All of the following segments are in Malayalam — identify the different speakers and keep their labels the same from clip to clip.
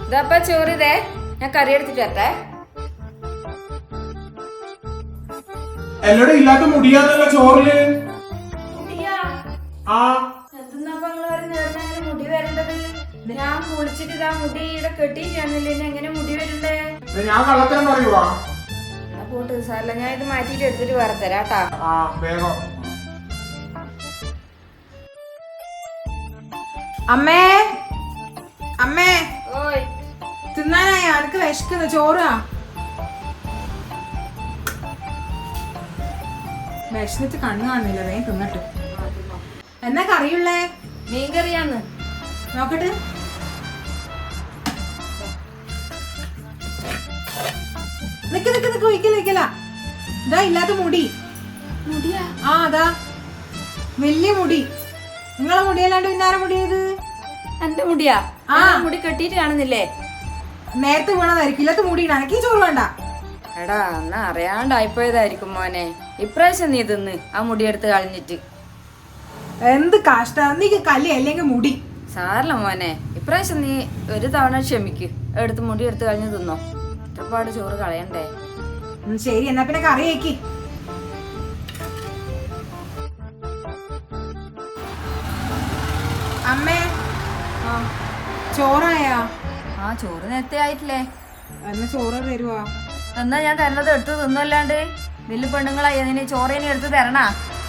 Speaker 1: ഇതപ്പ ചോറിതേ, ഞാൻ കറി എടുത്തിട്ട് വരട്ടെ.
Speaker 2: എന്നോട് ഇല്ലാത്ത മുടിയാന്നല്ല ചോറില്.
Speaker 1: മുടി വരേണ്ടത് ഞാൻ കുളിച്ചിട്ട് ഇതാ മുടി ഇവിടെ കെട്ടിയിട്ടാണല്ലേ, എങ്ങനെ മുടി വരണ്ടേ?
Speaker 2: ഞാൻ കള്ളത്തരം പറയുവാ.
Speaker 1: പോട്ട് സാറല്ല, ഞാൻ ഇത് മാറ്റിട്ട് എടുത്തിട്ട് വേറെ തരാട്ടാ.
Speaker 2: വേഗം.
Speaker 3: അമ്മേ അമ്മേ,
Speaker 1: ഓയ്
Speaker 3: തിന്നാനായ അനക്ക് വിശക്കുന്ന ചോറാ. വിശന്നിട്ട് കണ്ണു കാണുന്നില്ല, വേഗം തിന്നിട്ട്. എന്നാ കറിയുള്ളേ?
Speaker 1: മീൻകറിയാന്ന്.
Speaker 3: നോക്കട്ടെ. നിക്ക് നിക്ക് നിക്ക്, ഒഴിക്കല. ഇതാ ഇല്ലാത്ത മുടി.
Speaker 1: മുടിയാ?
Speaker 3: അതാ വലിയ മുടി. നിങ്ങളെ മുടിയല്ലാണ്ട് പിന്നാരെ മുടിയത്?
Speaker 1: എന്റെ മുടിയാ? മുടി കെട്ടിട്ട് കാണുന്നില്ലേ?
Speaker 3: നേരത്തെ വീണതായിരിക്കും. ഇല്ലാത്ത മുടിയാണ്. എനിക്ക് ചോറ് വേണ്ട.
Speaker 1: എടാ, എന്നാ അറിയാണ്ടായിപ്പോയതായിരിക്കും മോനെ. ഇപ്രാവശ്യം നീ തിന്ന് ആ മുടി എടുത്ത് കളഞ്ഞിട്ട്.
Speaker 3: എന്ത് കഷ്ട. നീക്ക് കല്ലി അല്ലെങ്കിൽ മുടി
Speaker 1: സാരല്ല മോനെ, ഇപ്രാവശ്യം നീ ഒരു തവണ ക്ഷമിക്ക്. എടുത്ത് മുടി എടുത്ത് കളഞ്ഞ് തിന്നോ. ഇത്രപാട് ചോറ് കളയണ്ടേ.
Speaker 3: ശരി, എന്നാ പിന്നെ കറി വെക്കി. അമ്മേ, ചോറായാ?
Speaker 1: ചോറ് നേരത്തെ ആയിട്ടില്ലേ?
Speaker 3: എന്നാ ചോറ് തരുവാ?
Speaker 1: എന്നാ ഞാൻ തരണത് എടുത്ത് തിന്നല്ലാണ്ട്. വലിയ പെണ്ണുങ്ങളായി അതിന് ചോറേനെ എടുത്ത് തരണ.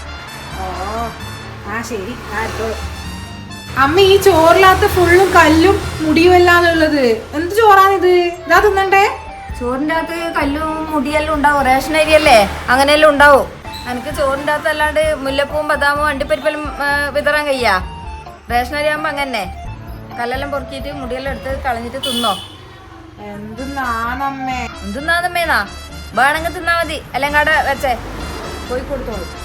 Speaker 3: ശരി. അമ്മ, ഈ ചോറിനകത്ത് ഫുള്ളും കല്ലും മുടിയും അല്ലാന്നുള്ളത് എന്ത് ചോറാണിത്? ഇതാ തിന്നണ്ടേ?
Speaker 1: ചോറിൻ്റെ അകത്ത് കല്ലും മുടിയെല്ലാം ഉണ്ടാവും. റേഷൻ അരിയല്ലേ, അങ്ങനെയെല്ലാം ഉണ്ടാവും. എനിക്ക് ചോറിൻ്റെ അകത്ത് അല്ലാണ്ട് മുല്ലപ്പൂവും ബദാമും അണ്ടിപ്പരിപ്പെല്ലാം വിതറാൻ കഴിയാ. റേഷൻ അരി ആകുമ്പോൾ അങ്ങനെ കല്ലെല്ലാം പൊറുക്കിയിട്ട് മുടിയെല്ലാം എടുത്ത് കളഞ്ഞിട്ട് തിന്നോ.
Speaker 3: എന്തെന്നാണമ്മേ?
Speaker 1: എന്തെന്നാന്നമ്മേന്നാ? വേണമെങ്കിൽ തിന്നാ മതി, അല്ലെങ്കിൽ അവിടെ വെച്ചേ പോയി കൊടുത്തോളൂ.